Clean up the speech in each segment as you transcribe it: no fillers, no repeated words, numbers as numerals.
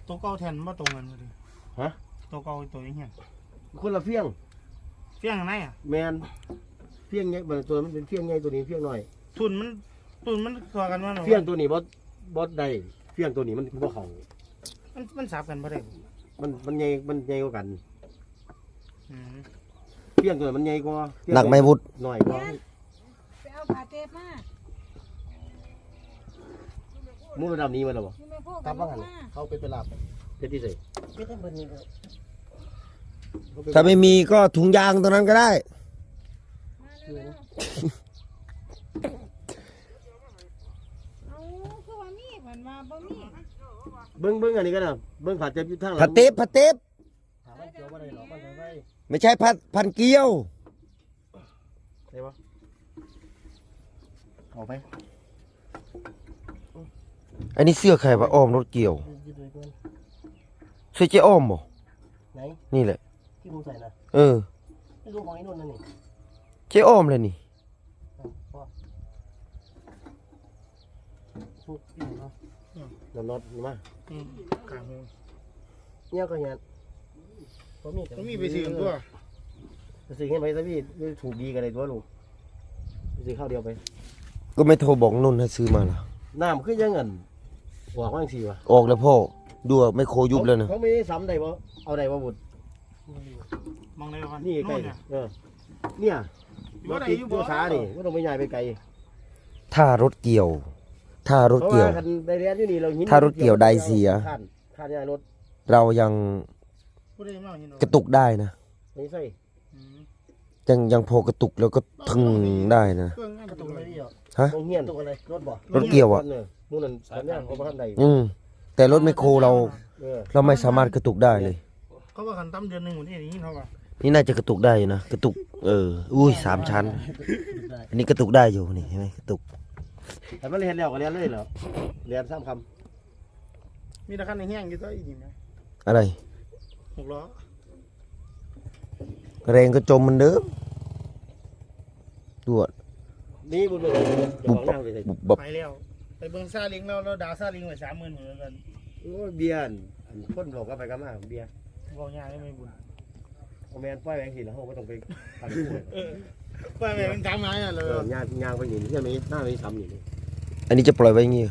ตัวเก่าแทนมาตรงกันเลยฮะตัวเก่าตัวนี้เหี้ยคนละเฟี้ยงไหนอ่ะแมนเฟี้ยงไงตัวมันเป็นเฟี้ยงไงตัวนี้เฟี้ยงหน่อยทุนมันตัวกันว่าเฟี้ยงตัวนี้บอสใดเฟี้ยงตัวนี้มันบ่เขามันสับกันบ่ได้มันใหญ่กว่ากันเฟี้ยงตัวมันใหญ่กว่าหนักไม่วุฒหน่อยกว่าไปเอาผ้าเทปมามูระดับนี้มันหรอบ่กลับว่าไงเขาไปลาบเป็นที่ไหนไม่ต้องเป็นนี่ถ้าไม่มีก็ถุงยางตรงนั้นก็ได้เบิ้งอันนี้ก็ได้เบิ้งผัดเจ็บอยู่ทางหลังผัดเต็บไม่ใช่พันเกี๊ยวใช่ปะเอาไปอันนี้เสื้อใครวะอ้อมรถเกี่ยวเสื้อเจ๊อ้อมบ่ไหนนี่แหละที่มึงใส่นะไม่รู้ของไอ้นุ่นนั่นนี่เจ๊อ้อมเลยนี่น็อตมากลางหูเนี่ยก็เนี่ยผมมีไปซื้อตัวไปซื้อให้ไปซะพี่ถูกดีกันเลยตัวลูกไปซื้อข้าวเดียวไปก็ไม่โทรบอกนุ่นให้ซื้อมาล่ะน้ำขึ้นยังเงินออกว่าจังซี่วะออกแล้วพ่อดูไม่โคยุบแล้วนะเขาไม่ซ้ำได้บ่เอาได้บ่บุตรมองได้ป่ะนี่ไกลเนี่ยรถติดตัวช้านี่ไม่ต้องไปใหญ่ไปไกลถ้ารถเกี่ยวถ้ารถเกี่ยวถ้ารถเกี่ยวใดเสียค่าใหญ่รถเรายังกระตุกได้นะไม่ใช่ยังพอกระตุกแล้วก็ทึงได้นะฮะรถเกี่ยวอ่ะแต่รถไมคโครเราไม่สามารถกระตุกได้เลยเขาว่าขันตั้มเดือนหนึ่งหมดนี่อย่างนี้เขาว่านี่น่าจะกระตุกได้นะกระตุกอุ้ย3 ชั้นอันนี้กระตุกได้อยู่นี่เห็นไหมกระตุกแต่ไม่เรียนแล้วก็เรียนเลยเหรอเรียน3 คำมีตะขันในแห้งอยู่ตัวอีกไหมอะไร 6 ล้อแรงก็จมมันเด้อดวดนี่บุญเลยบุบไปแล้วไปเบิ้งซาลิงเราดาวซาลิงไว้30,000เหมือนกันโอ้เบียร์คนบอกก็ไปกันมาเบียร์บอกยากไม่บุญเอาแมนป้ายแบงค์สีแล้วเขาไม่ต้องไปทำป้ายแบงค์ทำไงอ่ะเลยยางไปหนีที่ไม่หน้าไม่ซ้ำอย่างนี้อันนี้จะปล่อยไว้งี้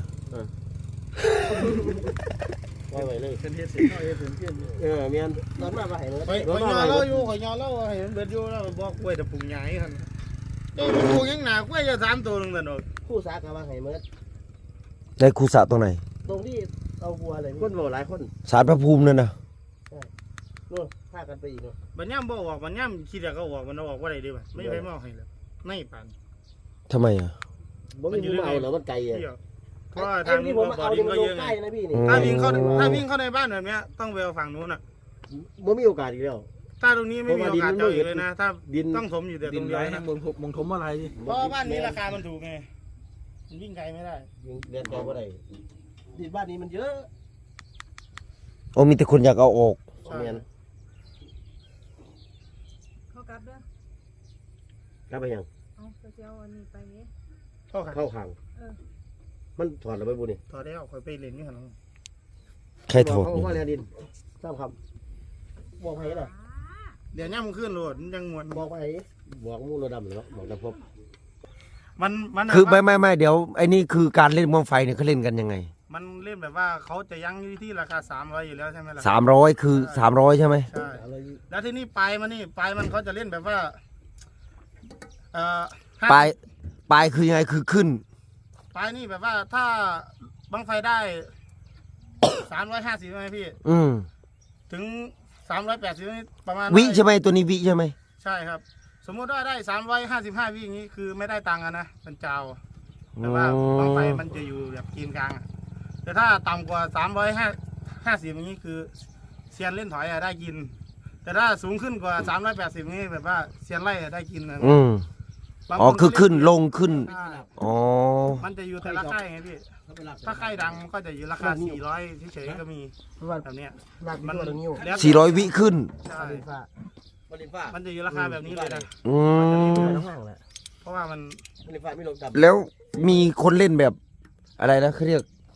ปล่อยไว้เลยเป็นเทศสิเมียนตอนมาไปเลยไปยอเล่าอยู่ขอยอเล่าให้มันเบิดอยู่แล้วบอกกล้วยแต่ปรุงใหญ่กันเจ้าปรุงยังหนากล้วยจะ3 ตัวนึงแต่หนอกคู่สากมาให้เมื่อได้คู่สะตรงไหนตรงที่เอาบัวเลยคนบอกหลายคนศาลพระภูมินั่นนะนู่นพากันไปอีกบัญญัติบอกว่าบัญญัติคิดอยากก็บอกมันออกว่าอะไรดีป่ะไม่ไปมองให้เลยไม่ปันทำไมอ่ะมันไม่เอาเหรอมันไกลอ่ะเพราะทางบ่อดินก็เยอะไงถ้าวิ่งเข้าในบ้านแบบนี้ต้องไปฝั่งนู้นอ่ะมันมีโอกาสอีกแล้วถ้าตรงนี้ไม่มีโอกาสเจอเลยนะถ้าดินต้องถมอยู่แต่ตรงนี้นะมงถมอะไรเพราะบ้านนี้ราคามันถูกไงมันวิ่งไกลไม่ได้เรียนต่อว่าไรดินบ้านนี้มันเยอะโอ้มีแต่คนอยากเอาออกเมียนเขากลับเด้อกลับไปยังเอาเจ้าอันนี้ไปนี้เข้าขังมันถอดแล้วไปบุญนี่ถอดได้ออกคอยไปเล่นนี่ขนาดใครถอดเขาว่าเรียนดินสร้างคำบอกไปเหรอเดี๋ยวนี้มันขึ้นโหลดยังมวนบอกไปบอกมูลดำหรือบอกดำพบมันคือไม่เดี๋ยวไอ้นี่คือการเล่นมองไฟเนี่ยเขาเล่นกันยังไงมันเล่นแบบว่าเขาจะยั้งที่ราคา300อยู่แล้วใช่ไหมล่ะ 300คือ300ใช่ไหมใช่แล้วที่นี่ปลายมันเขาจะเล่นแบบว่าปลายคือยังไงคือขึ้นปลายนี่แบบว่าถ้าบังไฟได้350ใช่ไหมพี่ถึง380ประมาณวิใช่ไหมตัวนี้วิใช่ไหมใช่ครับสมมติว่าได้355วิอย่างนี้คือไม่ได้ตังค์นะเป็นเจ้าแต่ว่าบังไฟมันจะอยู่แบบกินกลางแต่ถ้าต่ำกว่า350อย่างนี้คือเซียนเล่นถอยได้กินแต่ถ้าสูงขึ้นกว่า380นี้แบบว่าเซียนไล่ได้กินนะอ๋อคือขึ้นลงขึ้นอ๋อมันจะอยู่แต่ละค่ายไงพี่ถ้าค่ายดังมันก็จะอยู่ราคา400เฉยๆก็มีแบบเนี้ยมัน 400 วิขึ้นใช่มันจะอยู่ราคาแบบนี้เลยนะเพราะว่ามันแล้วมีคนเล่นแบบอะไรนะเขาเรียก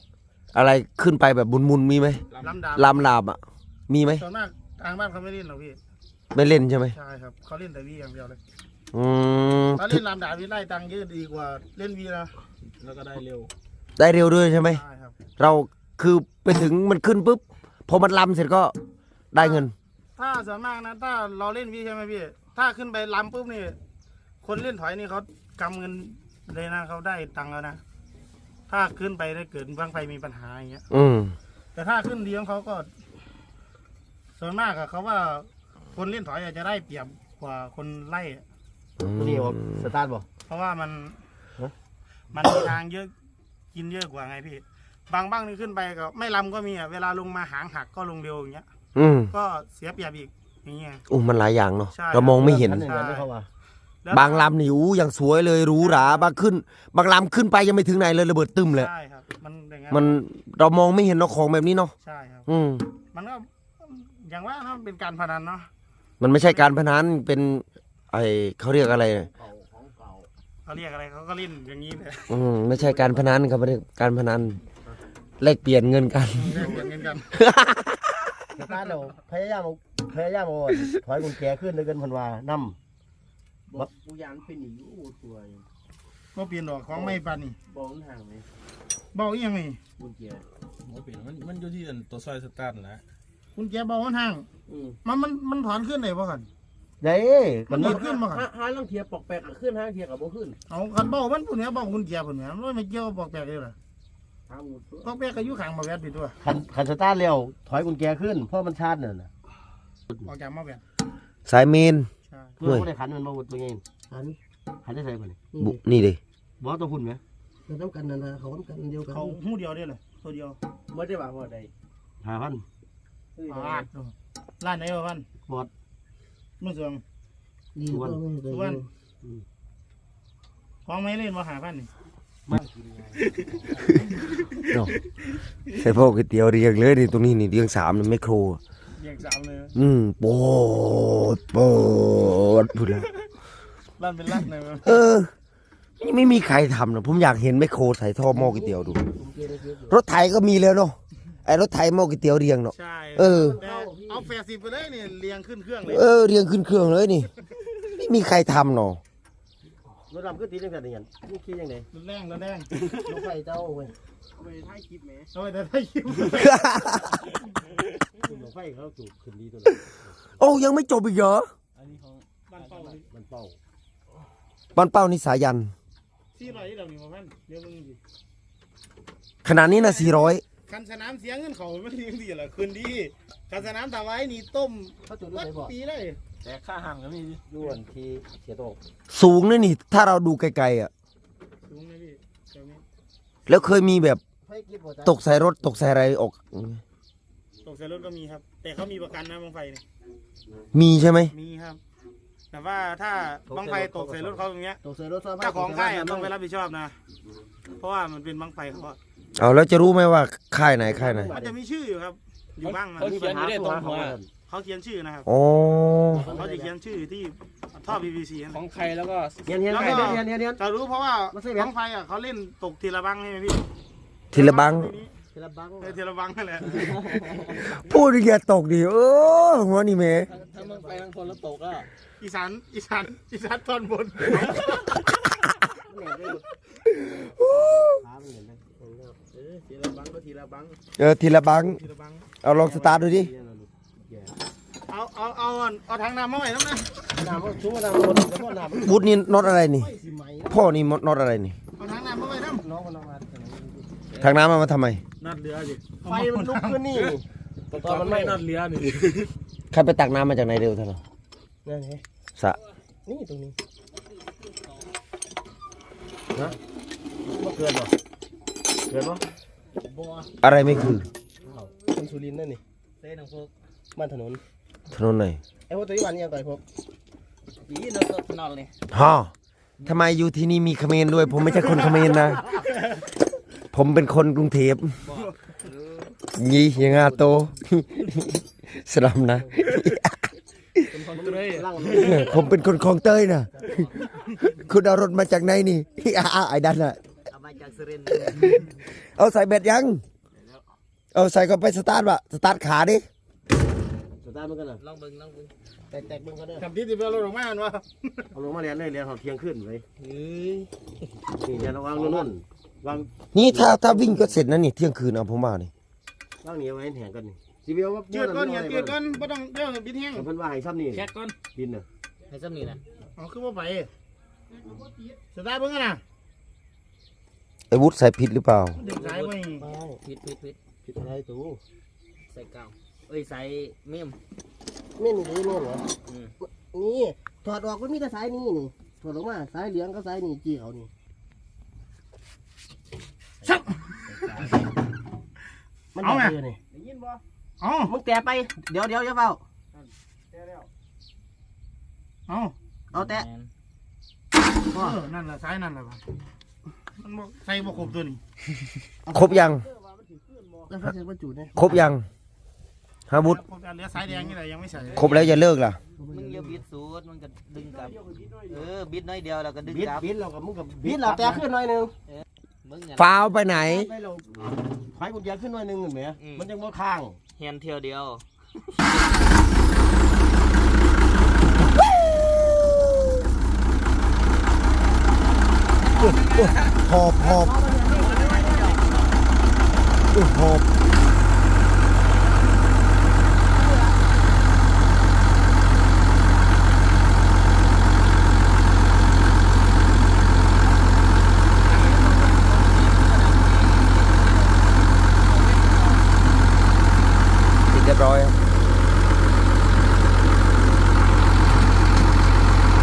อะไรขึ้นไปแบบมุนๆมีไหมลำดาบลามอ่ะ มีไหมส่วนมากทางบ้านเขาไม่เล่นหรอกพี่ไม่เล่นใช่ไหมใช่ครับเขาเล่นแต่วีอย่างเดียวเลยอืมเขาเล่นลำดาบวีไล่ตังค์เยอะดีกว่าเล่นวีนะแล้วก็ได้เร็วได้เร็วด้วยใช่ไหมใช่ครับเราคือไปถึงมันขึ้นปุ๊บพอมันลำเสร็จก็ได้เงินถ้าส่วนมากนะถ้าเราเล่นวีใช่ไหมพี่ถ้าขึ้นไปลำปุ๊บนี่คนเล่นถอยนี่เขากำเงินเลยนะเขาได้ตังค์แล้วนะถ้าขึ้นไปได้เกิดบังไฟมีปัญหาอย่างเงี้ยอืมแต่ถ้าขึ้นเลี้ยงเขาก็ ส่วนมากอะเขาว่าคนเล่นถอยอาจจะได้เปรียบกว่าคนไล่อะตัวนี้ผมสตาร์ทบ่เพราะว่ามันฮะมันมีทางเยอะกินเยอะกว่าไงพี่บางบ้างนี่ขึ้นไปก็ไม่ลำก็มีอะเวลาลงมาหางหักก็ลงเร็วอย่างเงี้ยอืมก็เสียเปรียบอีกอย่างเงี้ยอู้มันหลายอย่างเนาะใช่เรามองไม่เห็นคัหนึ่งอันที่เขาว่าแล้วบางลำนี่อู้อย่างสวยเลยหรูหราบางขึ้น บางลำขึ้นไปยังไม่ถึงไหนเลยระเบิดตึมเลยใช่ครับมันอย่างเงี้ยมันเรามองไม่เห็นเนาะของแบบนี้เนาะใช่ครับอืมมันก็อย่างว่าเนาะเป็นการพนันเนาะมันไม่ใช่การพนันเป็นไอเขาเรียกอะไรเนี่ยเขาเรียกอะไรเขาก็เล่นอย่างนี้เลยอืมไม่ใช่การพนันครับไม่ใช่การพนันแลกเปลี่ยนเงินกันเล่นอย่างเงี้ยกันสตาร์ทเราพยายามเอาถอยกุญแจขึ้นด้วยกันเพันว่านํบอกกูยันเป็นหนีโอ้ตัวอยู่ก็เปลี่ยนดอกของไม่ปันนี่บอกมันห่างไหมเบาอีกยังไงบุญเกียร์มันเป็นมันอยู่ที่ตัวซอยสตาร์ทนะคุณแกเบามันห่างอืมมันถอนขึ้นไหนบ่กันเด้มันหนีบขึ้นบ่กันหาลังเทียปอกแปลกขึ้นห้างเทียกับบ่ขึ้นเอาคันเบามันปุ่นเนี้ยเบาคุณแกปุ่นเนี้ยมันไม่เกี่ยวกับปอกแปกเลยเหรอทางหมดปอกแปกก็อยู่ข้างมาแวดผิดตัวคันสตาร์ทเร็วถอยกุญแจขึ้นเพราะมันชาร์จนั่นน่ะออกจากมาแวดสายเมนใช่เพื่อบ่ได้ขันมันบ่ตัวเองอันขันได้ใส่บ่นี่บุนี่ดิบ่ตัวหุ่นไหมเราต้องกันนะเขาต้องกันเดียวกันเขาหูเดียวได้เลยตัวเดียวไม่ได้ว่าบ่ได้ 5,000 ร้านไหนวะพันบอดมื่อสวงดีก็ไม่ได้วันของไม่เล่นมาหาพันนี่เนาะใส่พวกก๋วยเตี๋ยวเรียงเลยนี่ตรงนี้นี่เรียงสามนี่ไมโครเรียงสามเลยอืมโปดพูดแล้วร้านเป็นร้านไหนวะเออนี่ไม่มีใครทำนะผมอยากเห็นไมโครใส่ท่อหม้อก๋วยเตี๋ยวดู รถไถก็มีแล้วเนาะไอ้รถไถหม้อก๋วยเตี๋ยวเรียงเนาะใช่เออแต่เอา80ไปเลยนี่เรียงขึ้นเครื่องเลยเออเรียงขึ้นเครื่องเลยนี่ไม่มีใครทำเนาะรถดำขึ้นตีจังซั่นนี่หยังนี่คิดจังได๋รถแรงรถแรงรถไฟเจ้าเว้ยไปถ่ายคลิปแหมเอาไปแต่ได้คิวรถไฟเขาจูบขึ้นดีตัวโอ้ยังไม่จบอีกเหรออันนี้ของบ้านเป้าเลยมันเป้าบ้านเป้านี่สายัน 400ที่เรามีมาพันเดี๋ยวมึงดิขนาดนี้นะ400 คันสนามเสียเงินเขาไม่เลี้ยงดีเหรอคืนดีคันสนามตาไว้นี่ต้มเขาจูบด้ววัยดไสบ่ปีเลยแต่ค่าห่างก็มีย้วนที่เสียโตกสูงเลยนี่ ถ้าเราดูไกลๆอ่ะสูงไหมพี่เดี๋ยวนี้แล้วเคยมีแบบไฟกินบ่จ๊ะตกใส่รถตกใส่อะไรออกตกใส่รถก็มีครับ แต่เขามีประกันนะบังไฟนี่มีใช่ไหมมีครับ แต่ว่าถ้าบังไฟตกใส่รถเขาอย่างเงี้ยตกใส่รถซะเจ้าของค่ายอะต้องไปรับผิดชอบนะ เพราะว่ามันเป็นบังไฟเขาอะเอาแล้วจะรู้ไหมว่าค่ายไหนค่ายไหนมันจะมีชื่ออยู่ครับ อยู่บ้างนะเขาเขียนอยู่ได้ตรงหัวเขาเขียนชื่อนะครับอ๋อเขาจะเขียนชื่อที่ท่อ PVC นั่นของใครแล้วก็เฮียนเฮียนแล้วไปก็เฮียนเฮียนเฮียนจะรู้เพราะว่าไม่ใช่แบบบังไฟอะเขาเล่นตกทีละบังใช่ไหมพี่ทีละบังทีละบังทีละบังนั่นแหละพูดอย่าตกดิหัวนี่เมถ้ามึงไปทางคนแล้วตกอ่ะอีสานตอนบนทีละบังก็ทีละบังทีละบังทีละบังเอาลองสตาร์ทดูดิเอาทางน้ำมาไว้น้ำนะน้ำชุ่มน้ำหมดแล้วก็น้ำบูธนี่น็อตอะไรนี่สิไหมพ่อนี่น็อตอะไรนี่เอาทางน้ำมาไว้น้น้องมันเอามาทางน้ำมาทำไมำนัดเรือดิไฟมันลุกขึ้นนี่ตอนมันไม่นอดเรือนี่ใครไปตักน้ำมาจากไหนเร็วเท่าไหร่นั่นไงสระนี่ตรงนี้นะบ่เกินบ่เกินบ่อะไรไม่คือคนสุรินทร์นั่นนี่เต้นของพวกบ้านถนนถนนไหนไอ้พวกตัวนี้วันนี้ยังไงพวกปีนเราสนอนเลยฮะทำไมอยู่ที่นี่มีเขมรด้วย ผมไม่ใช่คนเขมรนะ ผมเป็นคนกรุงเทพยี่ยังอาโต สลัมนะเป็นคนเตยล่างผมเป็นคนคลองเต้ยนะ คุณเอารถมาจากไหนนี่ ไอ้ดันอะเอามาจากสุรินทร์เอาใส่เบ็ดยังแเอาใส่ก็ไปสตาร์ทวะสตาร์ทขาดิสตาร์ทมันกันน่ะลองเบิ่งลองเบิ่งแตกเบิ่งกันเด้อทำที่ที่เราลงมาเนาะเอาลงมาเรียนเลยเรียนหอเที่ยงขึ้นเลยเฮ้ยนี่เรียนวางนู่นวางนี่ถ้าวิ่งก็เสร็จนะนี่เที่ยงคืนเอาผมว่านี่วางนี่เอาไว้แหงกันนี่สิเบียวว่าเจือดก้อนเนี่ยเจือดก้อนไม่ต้องเดี๋ยวบิดแห้งเพิ่นว่าให้ซ้ำนี่แค่ก่อนดินน่ะให้ซ้ำนี่นะอ๋อคือว่าไปสตาร์ทเบิ่งกันนะไอ้วุฒิใส่ผิดหรือเปล่าดึงสายไปผิดผิดอะไรตูใส่กาวเอ้ยใส่เมมแม่นนี่แม่นเหรออืมนี่ถอดออกมันมีแต่สายนี่นี่ถอดออกมาสายเหลืองกับสายนี่จี้เขานี่มันเอาไงนี่ได้ยินบ่เอามึงแตะไปเดี๋ยวอย่าเฝ้าแก้แล้วเอาเอาแตะนั่นแหละสายนั่นแหละมันบอกใส่บ่ครบตัวนี้ครบยังแล้วเขาจะบรรจุเนี่ยครบยังฮาวุฒิเหลือสายแดงนี่แหละยังไม่ใส่ครบแล้วอย่าเลิกล่ะมึงอย่าบิดสูดมันก็ดึงกลับบิดน้อยเดียวแล้วก็ดึงบิดกลับบิดเรากับมึงกับบิดเราแตะขึ้นหน่อยนึงมึงเนี่ยฟ้าวไปไหนไปเราถอยกุญแจขึ้นหน่อยนึงเห็นไหมมันยังบ่ข้างเฮียนเที่ยวเดียวหอบหอบ